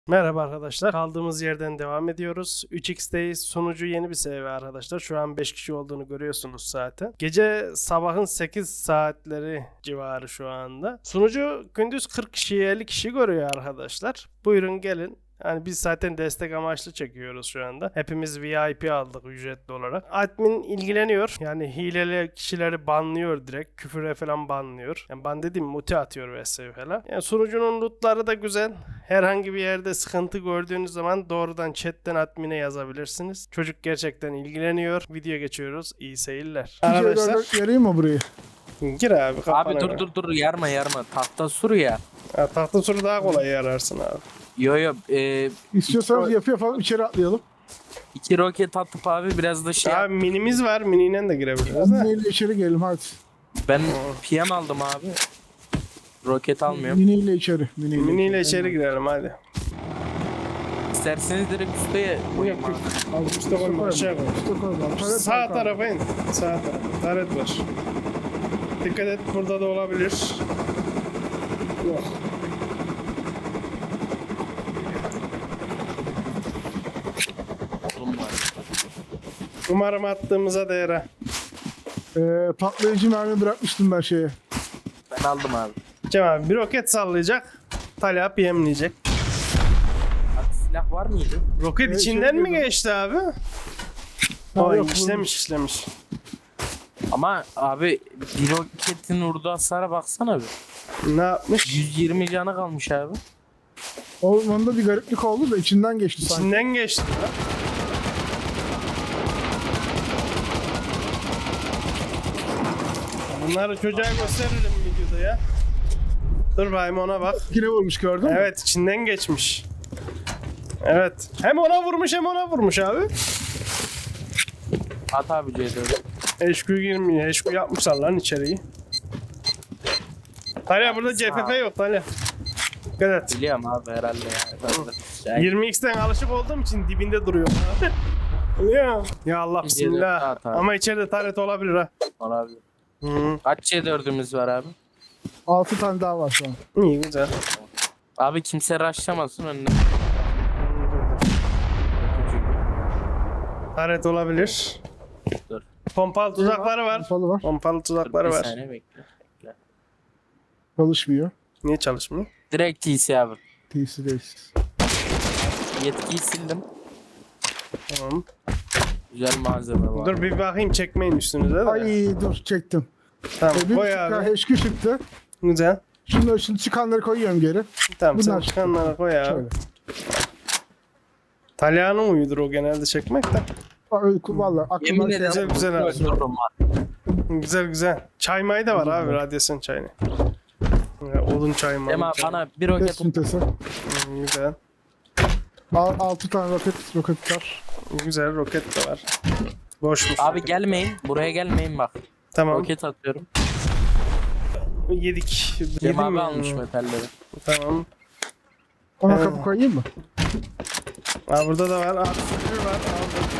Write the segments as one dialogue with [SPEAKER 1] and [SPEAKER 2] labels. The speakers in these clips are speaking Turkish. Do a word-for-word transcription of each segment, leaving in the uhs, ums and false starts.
[SPEAKER 1] Merhaba arkadaşlar. Kaldığımız yerden devam ediyoruz. üç x'teyiz. Sunucu yeni bir seviye arkadaşlar. Şu an beş kişi olduğunu görüyorsunuz zaten. Gece sabahın sekiz saatleri civarı şu anda. Sunucu gündüz kırk kişiyi elli kişi görüyor arkadaşlar. Buyurun gelin. Yani biz zaten destek amaçlı çekiyoruz şu anda. Hepimiz V I P aldık ücretli olarak. Admin ilgileniyor. Yani hileli kişileri banlıyor direkt. Küfüre falan banlıyor. Yani ban dediğim muti atıyor vs falan. Yani sunucunun lootları da güzel. Herhangi bir yerde sıkıntı gördüğünüz zaman doğrudan chatten admine yazabilirsiniz. Çocuk gerçekten ilgileniyor. Video geçiyoruz. İyi seyirler.
[SPEAKER 2] Arkadaşlar yarayım mı burayı?
[SPEAKER 1] Gir abi kafana
[SPEAKER 3] Abi dur
[SPEAKER 1] göre.
[SPEAKER 3] dur dur yarma yarma tahta sur ya.
[SPEAKER 1] Ha, tahta suru daha kolay yararsın abi.
[SPEAKER 3] Yo yo e,
[SPEAKER 2] İstiyorsanız yapı yapalım, içeri atlayalım.
[SPEAKER 3] iki roket atıp abi biraz da şey
[SPEAKER 1] Abi minimiz var. Miniyle de girebiliriz de.
[SPEAKER 2] Miniyle içeri gelelim hadi.
[SPEAKER 3] ben P M aldım abi. Roket almıyorum.
[SPEAKER 2] Miniyle içeri. Miniyle,
[SPEAKER 1] Miniyle içeri girelim hadi.
[SPEAKER 3] İsterseniz direkt üsteye koyayım abi.
[SPEAKER 2] Al,
[SPEAKER 1] Üste koyma, aşağı koy.
[SPEAKER 2] Üste koyma. Taret
[SPEAKER 1] Sağ
[SPEAKER 2] var,
[SPEAKER 1] tarafa in. Sağ tarafa. Taret var. Dikkat et burada da olabilir. Yok.
[SPEAKER 3] Oğlum var.
[SPEAKER 1] Umarım attığımıza değer ha.
[SPEAKER 2] Ee, patlayıcı mermi bırakmıştım ben şeye.
[SPEAKER 3] Ben aldım abi.
[SPEAKER 1] Cem abi bir roket sallayacak. Talha P M'leyecek.
[SPEAKER 3] Abi silah var mıydı?
[SPEAKER 1] Roket
[SPEAKER 2] Evet,
[SPEAKER 1] içinden
[SPEAKER 2] şey
[SPEAKER 1] mi
[SPEAKER 2] dedim.
[SPEAKER 1] geçti abi?
[SPEAKER 2] Ha,
[SPEAKER 1] Oy
[SPEAKER 2] yok,
[SPEAKER 1] işlemiş işlemiş.
[SPEAKER 3] Ama abi bir roketin vurduğu hasara baksana bir.
[SPEAKER 1] Ne yapmış?
[SPEAKER 3] yüz yirmi canı kalmış abi.
[SPEAKER 2] Ormanda bir gariplik oldu da içinden geçti sanki.
[SPEAKER 1] İçinden geçti lan. Bunları çocuğa gösteririm videoda ya. Dur bayım ona bak.
[SPEAKER 2] Yine vurmuş gördün mü?
[SPEAKER 1] Evet içinden geçmiş. Evet. Hem ona vurmuş hem ona vurmuş abi.
[SPEAKER 3] At abi C dört'ü.
[SPEAKER 1] H Q girmiyor. H Q yapmışlar lan içeriği. Talya burada C F F yok Talya. Dikkat et.
[SPEAKER 3] Biliyorum abi herhalde ya. Yani
[SPEAKER 1] yirmi x'ten alışık olduğum için dibinde duruyor. ya. Ya Allah bismillah.
[SPEAKER 3] At abi.
[SPEAKER 1] Ama içeride taret olabilir ha.
[SPEAKER 3] olabilir.
[SPEAKER 1] Hı.
[SPEAKER 3] Kaç C dört'ümüz var abi?
[SPEAKER 2] Altı tane daha var şu an.
[SPEAKER 1] İyi güzel.
[SPEAKER 3] Abi kimse rushlamasın önüne.
[SPEAKER 1] Taret olabilir.
[SPEAKER 3] Dur.
[SPEAKER 1] Pompalı tuzakları var.
[SPEAKER 2] Pompalı var.
[SPEAKER 1] Pompalı tuzakları
[SPEAKER 3] Bir
[SPEAKER 1] var.
[SPEAKER 3] saniye bekle.
[SPEAKER 2] Çalışmıyor.
[SPEAKER 1] Niye çalışmıyor?
[SPEAKER 3] Direkt T C abi.
[SPEAKER 2] T C değilsiz.
[SPEAKER 3] Yetkiyi sildim.
[SPEAKER 1] Tamam.
[SPEAKER 3] Güzel malzeme var.
[SPEAKER 1] Dur bir bakayım çekmeyin üstünüze de.
[SPEAKER 2] Ay dur çektim.
[SPEAKER 1] Tamam
[SPEAKER 2] Ee, bir
[SPEAKER 1] koy
[SPEAKER 2] buçuk
[SPEAKER 1] abi.
[SPEAKER 2] H Q çıktı.
[SPEAKER 1] Güzel.
[SPEAKER 2] Şimdi, şimdi çıkanları koyuyorum geri.
[SPEAKER 1] Tamam sen
[SPEAKER 2] Bunlar
[SPEAKER 1] çıkanlara koy abi.
[SPEAKER 2] Şöyle.
[SPEAKER 1] Talyanın uyudur o genelde çekmek de.
[SPEAKER 2] Aa, öyle- Vallahi
[SPEAKER 3] Yemin
[SPEAKER 2] aklıma şey
[SPEAKER 1] Güzel
[SPEAKER 3] ederim.
[SPEAKER 1] güzel abi.
[SPEAKER 3] Öldürürüm var.
[SPEAKER 1] Güzel güzel. Çay mayı da var abi radyasyon çayını. Ya, odun çayı
[SPEAKER 3] Dem
[SPEAKER 1] mı?
[SPEAKER 3] abi bana bir
[SPEAKER 2] Test
[SPEAKER 3] roket
[SPEAKER 2] sintesi.
[SPEAKER 1] Güzel.
[SPEAKER 2] Al, altı tane roket, roket var.
[SPEAKER 1] Güzel roket de var. Boşmuş.
[SPEAKER 3] Abi
[SPEAKER 1] roket.
[SPEAKER 3] gelmeyin. Buraya gelmeyin bak.
[SPEAKER 1] Tamam.
[SPEAKER 3] Roket atıyorum.
[SPEAKER 1] Yedik.
[SPEAKER 3] Dem
[SPEAKER 1] Yedim
[SPEAKER 3] abi
[SPEAKER 1] mi?
[SPEAKER 3] almış metalleri.
[SPEAKER 1] Tamam.
[SPEAKER 2] Ona
[SPEAKER 1] Evet.
[SPEAKER 2] kapı koyayım mı?
[SPEAKER 1] Aa, burada da var. Aa, sürü var. Aldım.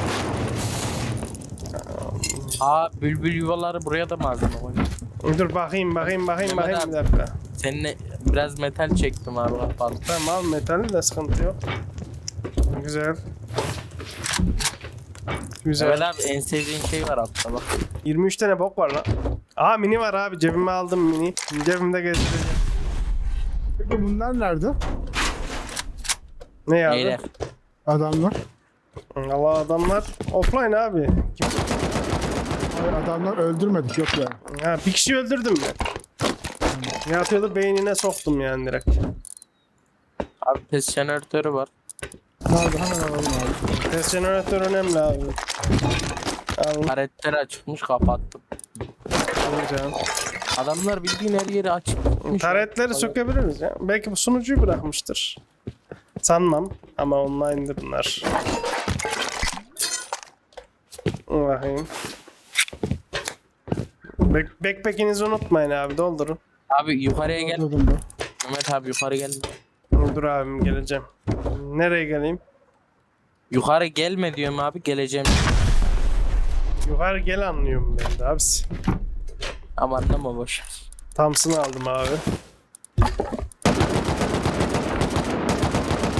[SPEAKER 3] Aa bülbül yuvaları buraya da malzeme koy.
[SPEAKER 1] Dur bakayım bakayım bakayım
[SPEAKER 3] Mehmet
[SPEAKER 1] bakayım bir
[SPEAKER 3] abi.
[SPEAKER 1] dakika.
[SPEAKER 3] Seninle biraz metal çektim abi kapalı.
[SPEAKER 1] Tamam al metali de sıkıntı yok. Güzel. Güzel.
[SPEAKER 3] Evet abi en sevdiğin şey var altta bak.
[SPEAKER 1] yirmi üç tane bok var lan. Aa mini var abi cebime aldım mini. Cebimde gezdireceğim.
[SPEAKER 2] Peki bunlar nerede?
[SPEAKER 1] Ne ya?
[SPEAKER 3] Neyler?
[SPEAKER 2] Adamlar.
[SPEAKER 1] Allah adamlar offline abi. Kim-
[SPEAKER 2] Hayır, adamlar öldürmedik yok yani.
[SPEAKER 1] Ha bir kişi öldürdüm ben. Yatıyordu beynine soktum yani direkt.
[SPEAKER 3] Abi test jeneratörü var.
[SPEAKER 2] Nerede? Hemen alalım abi.
[SPEAKER 1] Test jeneratör önemli abi. Alın.
[SPEAKER 3] Karetleri açıkmış kapattım.
[SPEAKER 1] Güzel.
[SPEAKER 3] Adamlar bildiğin her yeri açık. tutmuş.
[SPEAKER 1] Taretleri sökebiliriz ya. Belki bu sunucuyu bırakmıştır. Sanmam ama online'dır bunlar. Bakayım. Back backpack'inizi unutmayın abi doldurun.
[SPEAKER 3] Abi yukarıya gel.
[SPEAKER 2] Öldürdüm ben.
[SPEAKER 3] Mehmet abi yukarı gel.
[SPEAKER 1] Dur abim geleceğim. Nereye geleyim?
[SPEAKER 3] Yukarı gelme diyorum abi geleceğim.
[SPEAKER 1] Yukarı gel anlıyorum ben de abisi.
[SPEAKER 3] Ama anlama boş.
[SPEAKER 1] Thompson'ı aldım abi.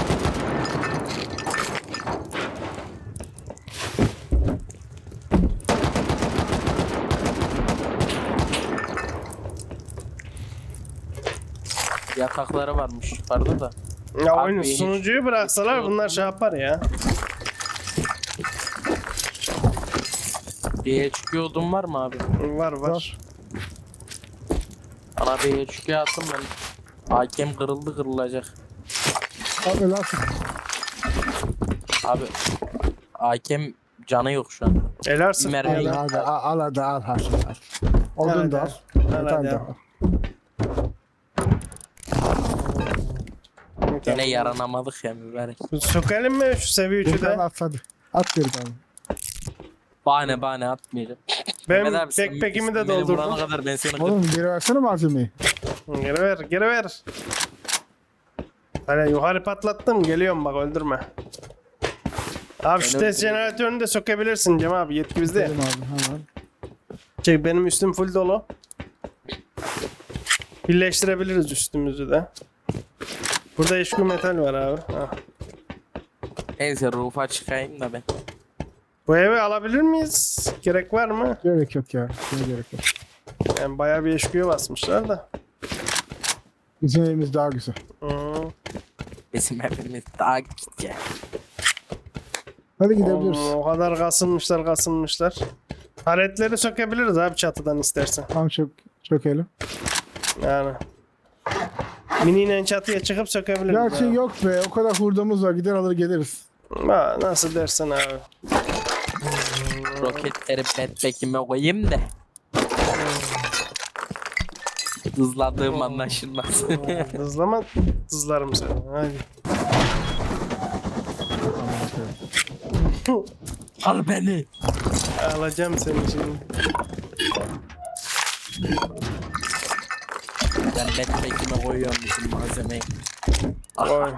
[SPEAKER 3] yatakları varmış yukarıda da.
[SPEAKER 1] Ya
[SPEAKER 3] Abi
[SPEAKER 1] oyunu
[SPEAKER 3] hiç-
[SPEAKER 1] sunucuyu bıraksalar bunlar şey yapar ya.
[SPEAKER 3] Bir H Q odun var mı abi?
[SPEAKER 1] Var var.
[SPEAKER 2] Var.
[SPEAKER 3] Bana bir H Q atın ben. Hakem kırıldı kırılacak.
[SPEAKER 2] Abi nasıl?
[SPEAKER 3] Abi hakem canı yok şu an.
[SPEAKER 1] Eler
[SPEAKER 3] Bir
[SPEAKER 1] sık.
[SPEAKER 3] mermi-
[SPEAKER 2] Hadi hadi al, al hadi al hadi al. Odun da al.
[SPEAKER 1] Al
[SPEAKER 2] Metal
[SPEAKER 1] hadi
[SPEAKER 2] da
[SPEAKER 1] al.
[SPEAKER 2] al.
[SPEAKER 3] Gene yaranamadık ya mübarek.
[SPEAKER 1] Sökelim mi şu seviye
[SPEAKER 2] Bir
[SPEAKER 1] üçü
[SPEAKER 2] tane
[SPEAKER 1] de?
[SPEAKER 2] at hadi. At geri bana.
[SPEAKER 3] Bahane bahane atmayacağım.
[SPEAKER 1] Ben
[SPEAKER 3] Mehmet abi, sen-
[SPEAKER 1] backpack'imi de
[SPEAKER 3] sen beni vurana
[SPEAKER 1] doldurdum.
[SPEAKER 3] kadar ben seni kır-
[SPEAKER 2] Oğlum geri versene malzemeyi.
[SPEAKER 1] Geri ver, geri ver. Hani yukarı patlattım, geliyorum bak öldürme. Abi şu
[SPEAKER 3] Ben
[SPEAKER 1] test
[SPEAKER 3] öldüreyim.
[SPEAKER 1] jeneratörünü de sökebilirsin Cem abi, yetki bizde.
[SPEAKER 2] Dedim abi hemen.
[SPEAKER 1] Çek, benim üstüm full dolu. Birleştirebiliriz üstümüzü de. Burada eşku metal var abi. Ah.
[SPEAKER 3] Neyse rufa çıkayım da ben.
[SPEAKER 1] Bu evi alabilir miyiz? Gerek var mı?
[SPEAKER 2] Gerek yok ya. Ne gerek yok.
[SPEAKER 1] Yani bayağı bir eşkuya basmışlar da.
[SPEAKER 2] Bizim evimiz daha güzel.
[SPEAKER 1] Hı.
[SPEAKER 3] Bizim evimiz daha gidecek.
[SPEAKER 2] Hadi gidebiliriz.
[SPEAKER 1] O, o kadar kasılmışlar kasılmışlar. Haretleri sökebiliriz abi çatıdan istersen.
[SPEAKER 2] Tamam çok çökelim.
[SPEAKER 1] Yani. Miniyle çatıya çıkıp sökebiliriz.
[SPEAKER 2] Gerçi
[SPEAKER 1] abi.
[SPEAKER 2] yok be. O kadar hurdamız var. Gider alır geliriz.
[SPEAKER 1] Ha, nasıl dersen abi.
[SPEAKER 3] Roketleri backpack'ime koyayım da. Hızladığım anlaşılmaz.
[SPEAKER 1] Hızlama hızlarım seni. Hadi.
[SPEAKER 3] Al beni.
[SPEAKER 1] Alacağım seni şimdi.
[SPEAKER 3] Ben backpack'ime koyuyorum bütün malzemeyi.
[SPEAKER 1] Oy.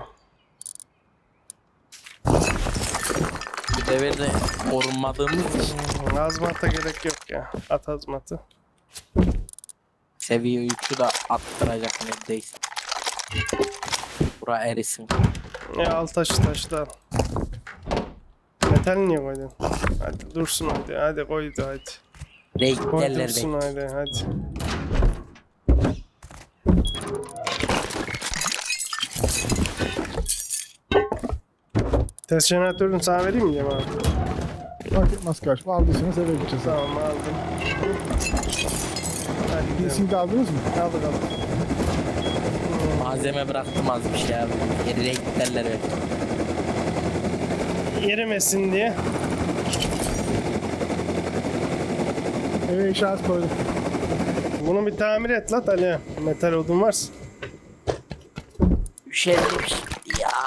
[SPEAKER 3] Bu devirde korunmadığımız için
[SPEAKER 1] Azmata gerek yok ya. At azmatı.
[SPEAKER 3] seviye üçü de attıracak neredeyse. Bura erisin.
[SPEAKER 1] Ya al taşı taşı da al. Metal niye koydun? Hadi dursun hadi. Hadi koydu hadi. Koy
[SPEAKER 3] Renklerler
[SPEAKER 1] dursun
[SPEAKER 3] renk.
[SPEAKER 1] hadi hadi. Test jeneratörünü sana vereyim mi Cem abi?
[SPEAKER 2] Fark etmez kardeşim. Aldıysanız eve gideceğiz.
[SPEAKER 1] Tamam aldım. Hadi
[SPEAKER 2] P
[SPEAKER 1] gidelim.
[SPEAKER 2] C'yi de aldınız mı?
[SPEAKER 1] Aldık aldık.
[SPEAKER 3] Malzeme bıraktım az bir şey abi. Geri renklerler ver.
[SPEAKER 1] Yerimesin diye.
[SPEAKER 2] Eve işaret koydum.
[SPEAKER 1] Bunu bir tamir et lan Ali. Metal odun varsa.
[SPEAKER 3] Üşendim şimdi ya.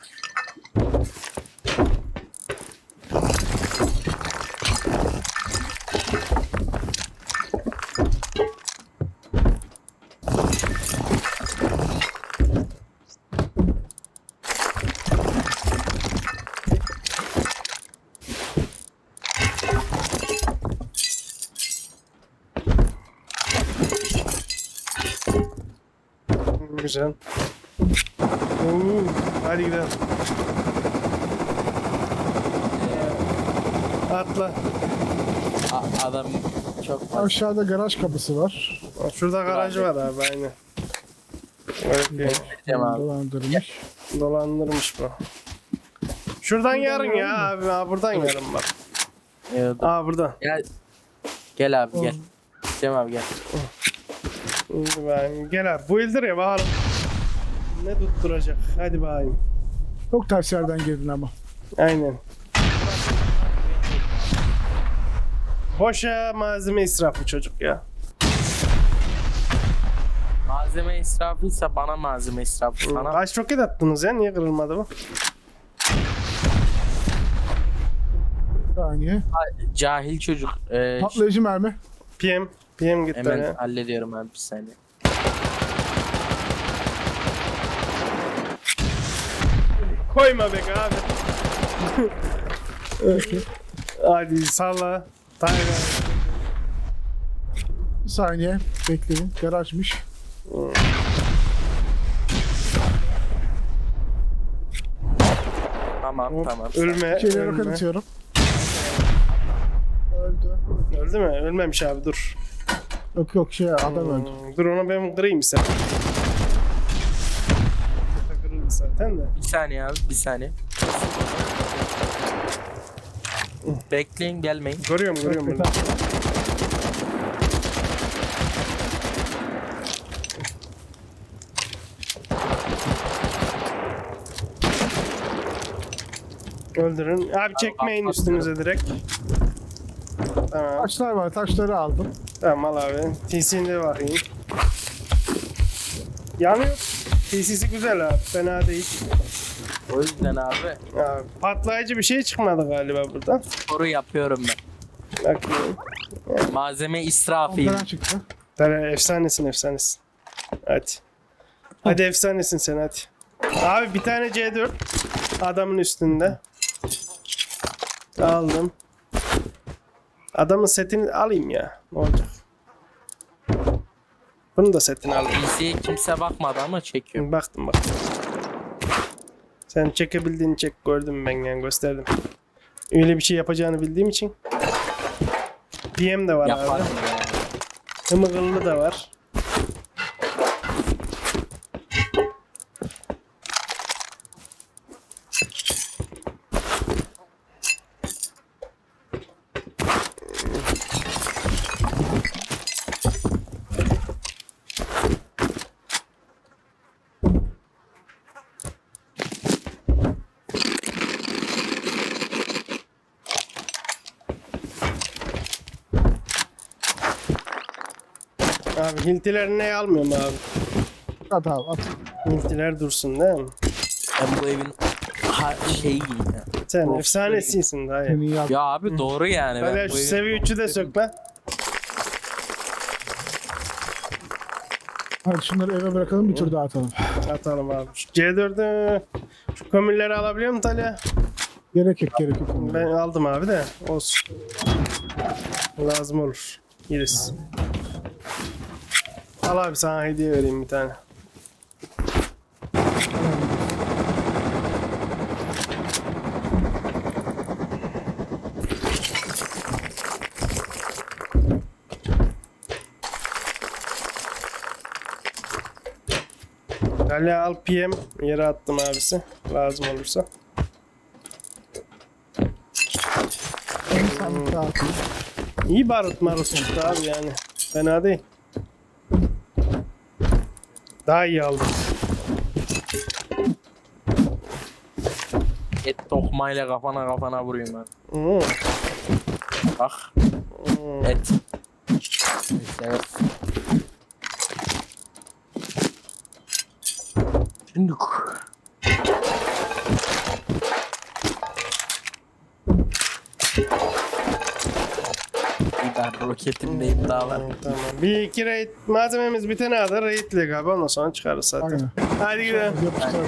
[SPEAKER 1] Güzel. Oo, hadi gidelim. Atla.
[SPEAKER 3] A- adam çok fazla.
[SPEAKER 2] Aşağıda garaj kapısı var.
[SPEAKER 1] Şurada garajı var abi aynı. Öyle
[SPEAKER 3] Cem abi.
[SPEAKER 2] Dolandırmış.
[SPEAKER 1] dolandırmış bu. Şuradan yarın ya abi. Ha, buradan yarın bak.
[SPEAKER 3] Evet.
[SPEAKER 1] Aa buradan.
[SPEAKER 3] Gel. Gel abi gel. Cem abi gel.
[SPEAKER 1] Şimdi ben- Gel abi. Bu ildir ya bakalım. Ne tutturacak? Hadi bakayım.
[SPEAKER 2] Çok ters yerden girdin ama.
[SPEAKER 1] Aynen. Boşa malzeme israfı çocuk ya.
[SPEAKER 3] Malzeme israfıysa bana malzeme israfı sana.
[SPEAKER 1] Kaç roket attınız ya? Niye kırılmadı bu?
[SPEAKER 2] Bir saniye.
[SPEAKER 3] Cahil çocuk. Ee,
[SPEAKER 2] Patlayıcı mermi.
[SPEAKER 1] P M. P M gitti
[SPEAKER 3] hemen
[SPEAKER 1] ya.
[SPEAKER 3] hallediyorum abi bir saniye.
[SPEAKER 1] Koyma be abi. Hadi salla. Tayga.
[SPEAKER 2] Bir saniye. Bekleyin. Garajmış.
[SPEAKER 3] Tamam
[SPEAKER 1] Hop,
[SPEAKER 3] tamam.
[SPEAKER 1] Ölme.
[SPEAKER 2] İçeriye roket
[SPEAKER 1] ölme.
[SPEAKER 2] atıyorum. Öldü.
[SPEAKER 1] Öldü mü? Ölmemiş abi dur.
[SPEAKER 2] Yok yok şey adam öldü.
[SPEAKER 1] Hmm, dur onu ben kırayım istedim. zaten de.
[SPEAKER 3] Bir saniye abi bir saniye. Bekleyin gelmeyin.
[SPEAKER 1] Görüyorum görüyorum bunu. Öldürün. Abi çekmeyin üstünüze direkt. Tamam.
[SPEAKER 2] Taşlar var, taşları aldım.
[SPEAKER 1] Tamam al abi. T C'inde bakayım. Yanıyor. T C'si güzel abi. Fena değil.
[SPEAKER 3] O yüzden abi
[SPEAKER 1] Abi, patlayıcı bir şey çıkmadı galiba buradan.
[SPEAKER 3] sporu yapıyorum ben.
[SPEAKER 1] Bakayım.
[SPEAKER 3] Malzeme israfıyım.
[SPEAKER 2] Ondan çıktı.
[SPEAKER 1] Tere, efsanesin efsanesin. Hadi. Hadi efsanesin sen hadi. Abi bir tane C dört adamın üstünde. Aldım. Adamın setini alayım ya. Ne olacak? Bunu da setini alayım.
[SPEAKER 3] P C'ye kimse bakmadı ama çekiyor.
[SPEAKER 1] Baktım baktım. Sen çekebildiğini çek, gördüm ben yani, gösterdim. Öyle bir şey yapacağını bildiğim için. P M de var
[SPEAKER 3] Yaparım
[SPEAKER 1] abi.
[SPEAKER 3] yani.
[SPEAKER 1] Hımıgıllı da var. Abi hiltilerini ne almıyorum abi.
[SPEAKER 2] At abi at.
[SPEAKER 1] Hiltiler dursun değil mi?
[SPEAKER 3] Ben bu evin ha, şeyi ya.
[SPEAKER 1] Sen
[SPEAKER 3] Of,
[SPEAKER 1] efsanesisin daha iyi.
[SPEAKER 2] Seni iyi at.
[SPEAKER 3] Ya abi doğru yani. Ben
[SPEAKER 1] Böyle
[SPEAKER 3] bu
[SPEAKER 1] şu
[SPEAKER 3] evin-
[SPEAKER 1] seviye üçü de sökme.
[SPEAKER 2] Hadi şunları eve bırakalım bir tur daha atalım.
[SPEAKER 1] Atalım abi. Şu C dört'ü şu kömürleri alabiliyor musun Talya?
[SPEAKER 2] Gerek yok gerek yok.
[SPEAKER 1] Ben aldım abi de olsun. Lazım olur. Yeriz. Al abi sana hediye vereyim bir tane. Talya al P M yere attım abisi. Lazım olursa.
[SPEAKER 2] Bir sandık daha atayım.
[SPEAKER 1] İyi barut marut çıktı abi yani. Fena değil. Daha iyi aldım.
[SPEAKER 3] Et tokmayla kafana kafana vuruyorum ben.
[SPEAKER 1] Hmm.
[SPEAKER 3] Bak
[SPEAKER 1] Hmm.
[SPEAKER 3] et. Evet. Şimdi ben roketimdeyim daha var.
[SPEAKER 1] Tamam. Bir iki raid malzememiz bitene kadar raidle abi, ondan sonra çıkarız zaten.
[SPEAKER 2] Aynen.
[SPEAKER 1] Hadi gidelim.
[SPEAKER 2] Yapıştıralım.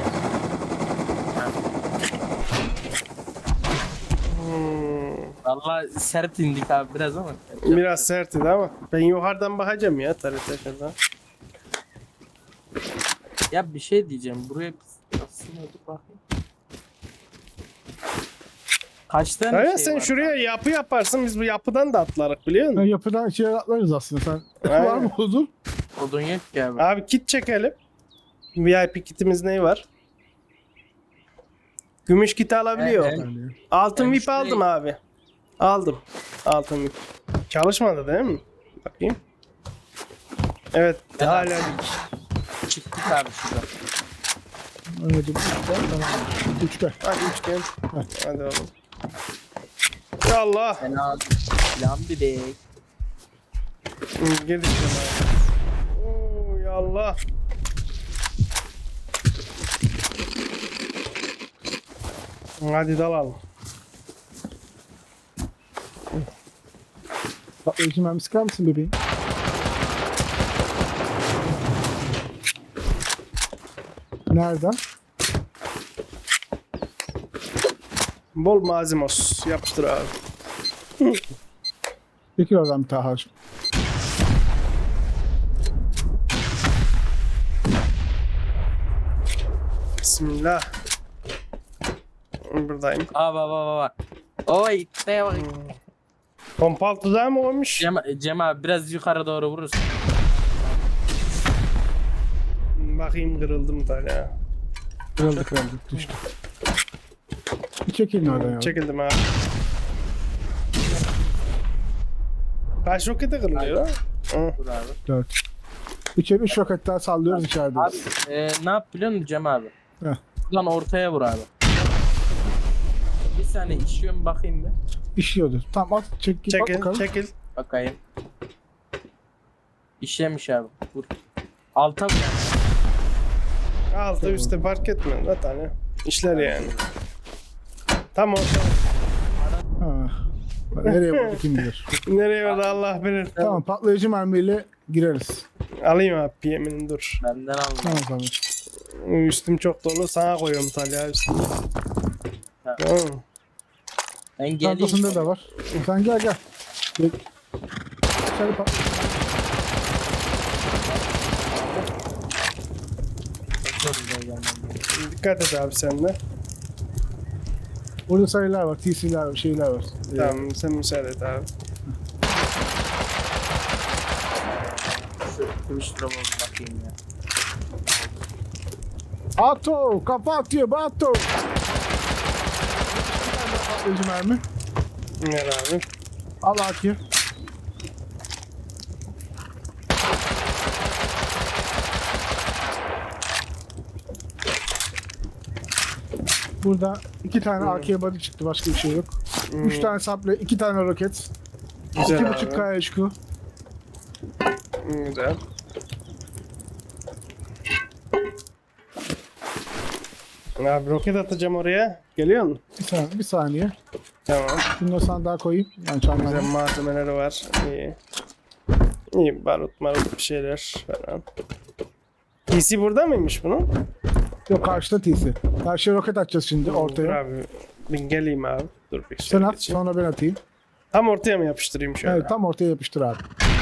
[SPEAKER 1] Hmm.
[SPEAKER 3] Valla sert indik abi biraz ama.
[SPEAKER 1] Biraz sertti ama ben yukarıdan bakacağım ya tarihte şuradan.
[SPEAKER 3] Ya bir şey diyeceğim. Buraya biz sınırdık bakayım. Kaç tane
[SPEAKER 1] Hayır
[SPEAKER 3] şey
[SPEAKER 1] sen
[SPEAKER 3] var?
[SPEAKER 1] şuraya yapı yaparsın, biz bu yapıdan da atlarız biliyor
[SPEAKER 2] Ben
[SPEAKER 1] musun?
[SPEAKER 2] yapıdan içeri atlarız aslında. Sen
[SPEAKER 1] Aynen.
[SPEAKER 2] var mı huzur?
[SPEAKER 3] Odun yok ki abi.
[SPEAKER 1] Abi kit çekelim. V I P kitimiz ne var? Gümüş kiti alabiliyor.
[SPEAKER 3] Evet,
[SPEAKER 2] Yani.
[SPEAKER 1] Altın
[SPEAKER 3] Ben
[SPEAKER 1] V I P
[SPEAKER 3] şurayı-
[SPEAKER 1] aldım abi. Aldım. Altın V I P. Çalışmadı değil mi? Bakayım. Evet
[SPEAKER 3] Ben
[SPEAKER 1] hala
[SPEAKER 3] aldım. Çıktık abi şurada.
[SPEAKER 2] Anladım. Tamam. Üçte.
[SPEAKER 1] hadi üçgen. Hadi oğlum. Ya Allah.
[SPEAKER 3] Fena plan bir de.
[SPEAKER 1] Hı, girdik şuna. Oo ya Allah. Hadi dalalım.
[SPEAKER 2] Patlayıcı mermi sıkar mısın bebeğim? Nereden?
[SPEAKER 1] Bol malzemos. Yapıştır abi.
[SPEAKER 2] Çekil oradan bir Taha'cığım.
[SPEAKER 1] Bismillah. Buradayım.
[SPEAKER 3] Aa bak bak bak, bak. Oy ne bak.
[SPEAKER 1] Pompal tuzağı mı olmuş?
[SPEAKER 3] Cem, Cem abi biraz yukarı doğru vurursun.
[SPEAKER 1] Bakayım kırıldı mı tane ya.
[SPEAKER 2] Kırıldı kırıldı. Düştü. Bir çekilin oradan ya.
[SPEAKER 1] Çekildim abi. Kaç rokete kırılıyor lan? Hı.
[SPEAKER 3] Dur abi.
[SPEAKER 2] Dört. İçeri üç roket daha sallıyoruz içeride.
[SPEAKER 3] Abi e, ne yap biliyor musun Cem abi?
[SPEAKER 2] Heh.
[SPEAKER 3] Buradan ortaya vur abi. Bir saniye işiyor mu bakayım bir.
[SPEAKER 2] İşiyordu. Tamam at çek git bak
[SPEAKER 1] Çekil,
[SPEAKER 2] bakalım.
[SPEAKER 1] çekil.
[SPEAKER 3] Bakayım. İşlemiş abi. Vur. Alta vur.
[SPEAKER 1] Altı üstte fark etmiyor. Ne tane? İşler yani. Tam orta.
[SPEAKER 2] Ha. Nereye vurdu kim bilir.
[SPEAKER 1] Nereye vardı Allah bilir.
[SPEAKER 2] Tamam patlayıcı mermiyle gireriz.
[SPEAKER 1] Alayım abi P M'ini dur.
[SPEAKER 3] Benden alma.
[SPEAKER 2] Tamam tamam.
[SPEAKER 1] Üstüm çok dolu. Sana koyuyorum Talya üstüne.
[SPEAKER 3] Ha.
[SPEAKER 1] Tamam.
[SPEAKER 3] Ben geleyim.
[SPEAKER 2] Çantasında da var. Sen gel gel. Gel. İçeri pat-
[SPEAKER 1] Dikkat et abi sen de.
[SPEAKER 2] Burada sayılar var, T C'ler var, şeyler var. Ee,
[SPEAKER 1] Tamam sen müsaade et abi.
[SPEAKER 3] Şu Twitch'e bakayım ya.
[SPEAKER 2] Ato! Kafa atıyor, Bato! Patlayıcı mermi.
[SPEAKER 1] Ver abi.
[SPEAKER 2] Al Aki. Burada iki tane A K body çıktı, başka bir şey yok.
[SPEAKER 1] Hmm,
[SPEAKER 2] Üç tane saple, iki tane roket.
[SPEAKER 1] Güzel
[SPEAKER 2] iki
[SPEAKER 1] abi.
[SPEAKER 2] buçuk K H Q.
[SPEAKER 1] Hmm, Güzel. Abi roket atacağım oraya. Geliyor musun?
[SPEAKER 2] Bir saniye, bir saniye.
[SPEAKER 1] Tamam.
[SPEAKER 2] Bunu da sandığa koyayım. Yani
[SPEAKER 1] Güzel
[SPEAKER 2] çantamda.
[SPEAKER 1] malzemeleri var. İyi. İyi barut marut bir şeyler falan. P C burada mıymış bunun?
[SPEAKER 2] Yok karşıda T C. Karşıya roket atacağız şimdi
[SPEAKER 1] Dur
[SPEAKER 2] ortaya.
[SPEAKER 1] abi. Bir geleyim abi. Dur bir
[SPEAKER 2] Sen
[SPEAKER 1] şöyle
[SPEAKER 2] at,
[SPEAKER 1] geçeyim.
[SPEAKER 2] sonra ben atayım.
[SPEAKER 1] Tam ortaya mı yapıştırayım şöyle?
[SPEAKER 2] Evet, tam ortaya yapıştır abi.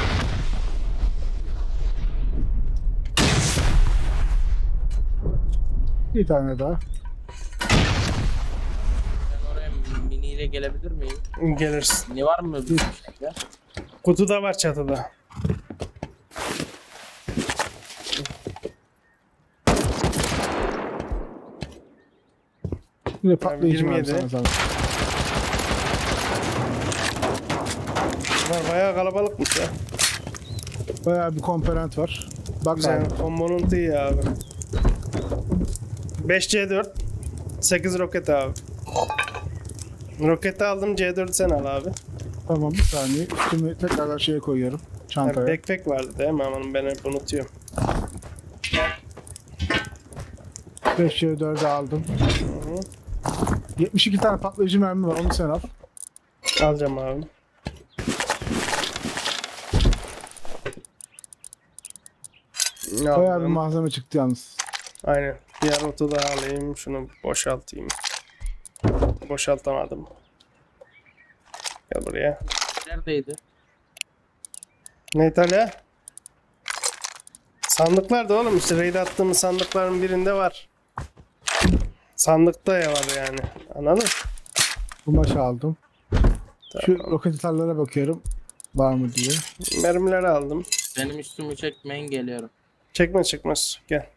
[SPEAKER 2] Bir tane daha.
[SPEAKER 3] Ben oraya miniyle gelebilir miyim?
[SPEAKER 1] Gelirsin.
[SPEAKER 3] Ne var mı bir şey ya?
[SPEAKER 1] Kutu da var çatıda.
[SPEAKER 2] Bir de patlayıcı
[SPEAKER 1] yirmi
[SPEAKER 2] var
[SPEAKER 1] yedi.
[SPEAKER 2] sana sana.
[SPEAKER 1] Var bayağı kalabalıkmış ya.
[SPEAKER 2] Bayağı bir komponent var. Bak
[SPEAKER 1] Güzel.
[SPEAKER 2] abi.
[SPEAKER 1] Komponent iyi abi. beş C dört. sekiz roket abi. Roketi aldım, C dört sen al abi.
[SPEAKER 2] Tamam bir saniye. Üstümü tekrardan şeye koyuyorum.
[SPEAKER 1] Yani
[SPEAKER 2] Çantaya.
[SPEAKER 1] backpack vardı değil mi? Aman ben hep unutuyorum.
[SPEAKER 2] beş C dördü aldım.
[SPEAKER 1] Hı hı.
[SPEAKER 2] yetmiş iki tane patlayıcı mermi var. Onu sen al.
[SPEAKER 1] Alacağım abi.
[SPEAKER 2] Bayağı bir
[SPEAKER 1] Aldım.
[SPEAKER 2] malzeme çıktı yalnız.
[SPEAKER 1] Aynen. Diğer otu da alayım. Şunu boşaltayım. Boşaltamadım. Gel buraya.
[SPEAKER 3] Neredeydi?
[SPEAKER 1] Ne İtalya? Sandıklar da oğlum işte raid attığımız sandıkların birinde var. Sandıkta ya var yani. Anladın?
[SPEAKER 2] Bu maçı aldım. Şu
[SPEAKER 1] Tamam.
[SPEAKER 2] roket atarlara bakıyorum. Var mı diye.
[SPEAKER 1] Mermileri aldım.
[SPEAKER 3] Benim üstümü çekmeyin geliyorum.
[SPEAKER 1] Çekme çıkmaz. Gel.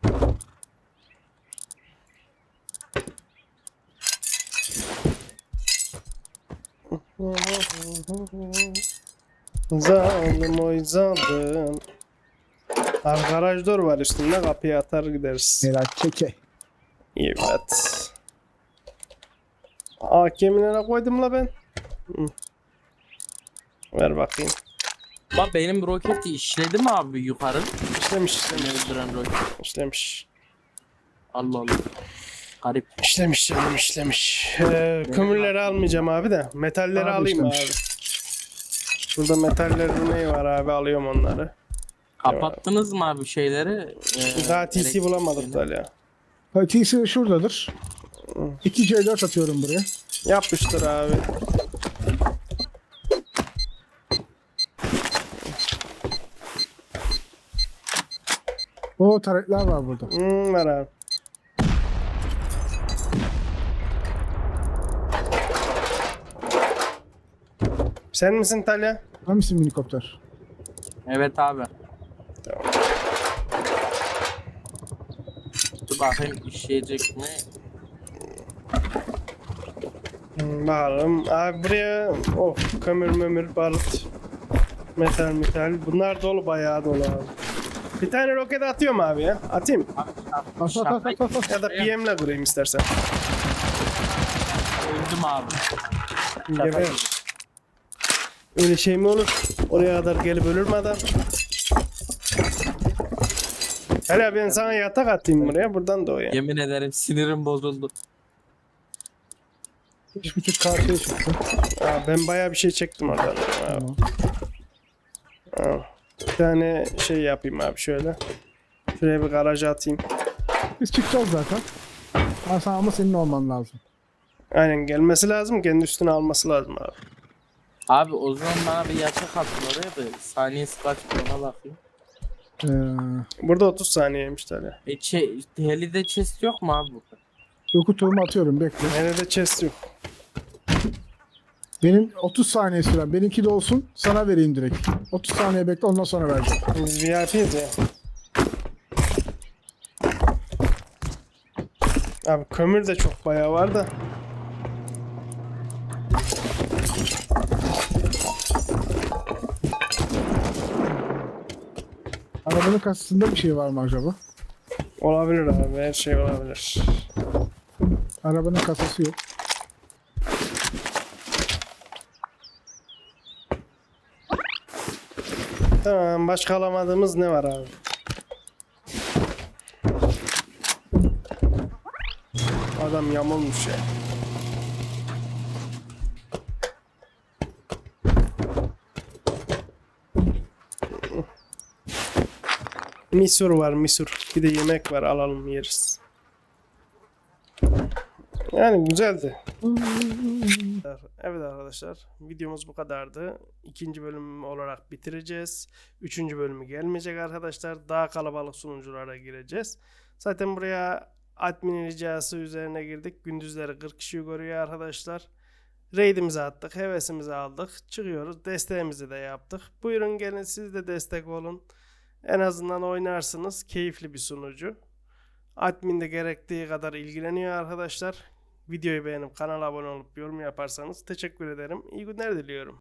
[SPEAKER 1] Zalim oy zalim. Abi garaj door var üstünde, kapıya atar gideriz.
[SPEAKER 2] Helal çeke.
[SPEAKER 1] Evet. A K M'lere koydum la ben. Hı. Ver bakayım.
[SPEAKER 3] Bak benim roketi işledi mi abi yukarı?
[SPEAKER 1] İşlemiş işlemiş.
[SPEAKER 3] Öldüren roket.
[SPEAKER 1] İşlemiş.
[SPEAKER 3] Allah Allah. Garip.
[SPEAKER 1] İşlemiş canım işlemiş. Ee, kömürleri almayacağım abi de. Metalleri
[SPEAKER 2] Abi
[SPEAKER 1] alayım
[SPEAKER 2] işlemiş.
[SPEAKER 1] abi. Burada metaller ne var abi, alıyorum onları.
[SPEAKER 3] Kapattınız mı abi şeyleri? Ee,
[SPEAKER 1] Daha T C
[SPEAKER 3] elektrik
[SPEAKER 1] bulamadık
[SPEAKER 3] şeyini?
[SPEAKER 1] da ya.
[SPEAKER 2] Ha, T C şuradadır. iki C dört atıyorum buraya.
[SPEAKER 1] Yapmıştır abi.
[SPEAKER 2] O taretler var burada.
[SPEAKER 1] Hmm, var abi. Sen misin Talya?
[SPEAKER 2] Hangisi minikopter?
[SPEAKER 3] Evet abi.
[SPEAKER 1] Tamam.
[SPEAKER 3] Dur Bakayım işleyecek mi?
[SPEAKER 1] Hmm, bakalım. Abi buraya of kömür mömür barut metal metal bunlar dolu bayağı dolu abi. Bir tane roket atıyorum abi ya. Atayım.
[SPEAKER 2] At at at at at.
[SPEAKER 1] Ya da P M'le vurayım istersen.
[SPEAKER 3] Öldüm abi.
[SPEAKER 1] Geber. Öyle şey mi olur? Oraya kadar gelip ölür mü adam? Hele ben sana yatak atayım buraya. Buradan da o ya.
[SPEAKER 3] Yemin ederim sinirim bozuldu.
[SPEAKER 2] Üç buçuk karşıya çıktı.
[SPEAKER 1] Aa, ben bayağı bir şey çektim oradan. Aa,
[SPEAKER 2] Tamam.
[SPEAKER 1] aa. Bir tane şey yapayım abi şöyle. Şuraya bir garaja atayım.
[SPEAKER 2] Biz çıkacağız zaten. Ben sana ama senin olman lazım.
[SPEAKER 1] Aynen gelmesi lazım. Kendi üstüne alması lazım abi.
[SPEAKER 3] Abi o zaman bana bir yatak atın oraya da saniyesi kaç ona bakayım.
[SPEAKER 2] Ee,
[SPEAKER 1] Burada otuz saniyeymiş tabii.
[SPEAKER 3] E çe helide chest yok mu abi burada?
[SPEAKER 2] yoku tuğumu atıyorum bekle.
[SPEAKER 1] Nerede chest yok.
[SPEAKER 2] Benim otuz saniye süren. Benimki de olsun. Sana vereyim direkt. otuz saniye bekle ondan sonra vereceğim.
[SPEAKER 1] Biz V I P'yiz ya. Abi kömür de çok bayağı var da.
[SPEAKER 2] Arabanın kasasında bir şey var mı acaba?
[SPEAKER 1] Olabilir abi, her şey olabilir.
[SPEAKER 2] Arabanın kasası yok.
[SPEAKER 1] Tamam, başka alamadığımız ne var abi? Adam yamulmuş ya. Misur var, misur. Bir de yemek var, alalım yeriz. Yani güzeldi. Evet arkadaşlar, videomuz bu kadardı. İkinci bölüm olarak bitireceğiz. Üçüncü bölümü gelmeyecek arkadaşlar. Daha kalabalık sunuculara gireceğiz. Zaten buraya admin ricası üzerine girdik. Gündüzleri kırk kişi görüyor arkadaşlar. Raid'imizi attık, hevesimizi aldık. Çıkıyoruz, desteğimizi de yaptık. Buyurun gelin siz de destek olun. En azından oynarsınız. Keyifli bir sunucu. Admin de gerektiği kadar ilgileniyor arkadaşlar. Videoyu beğenip kanala abone olup yorum yaparsanız teşekkür ederim. İyi günler diliyorum.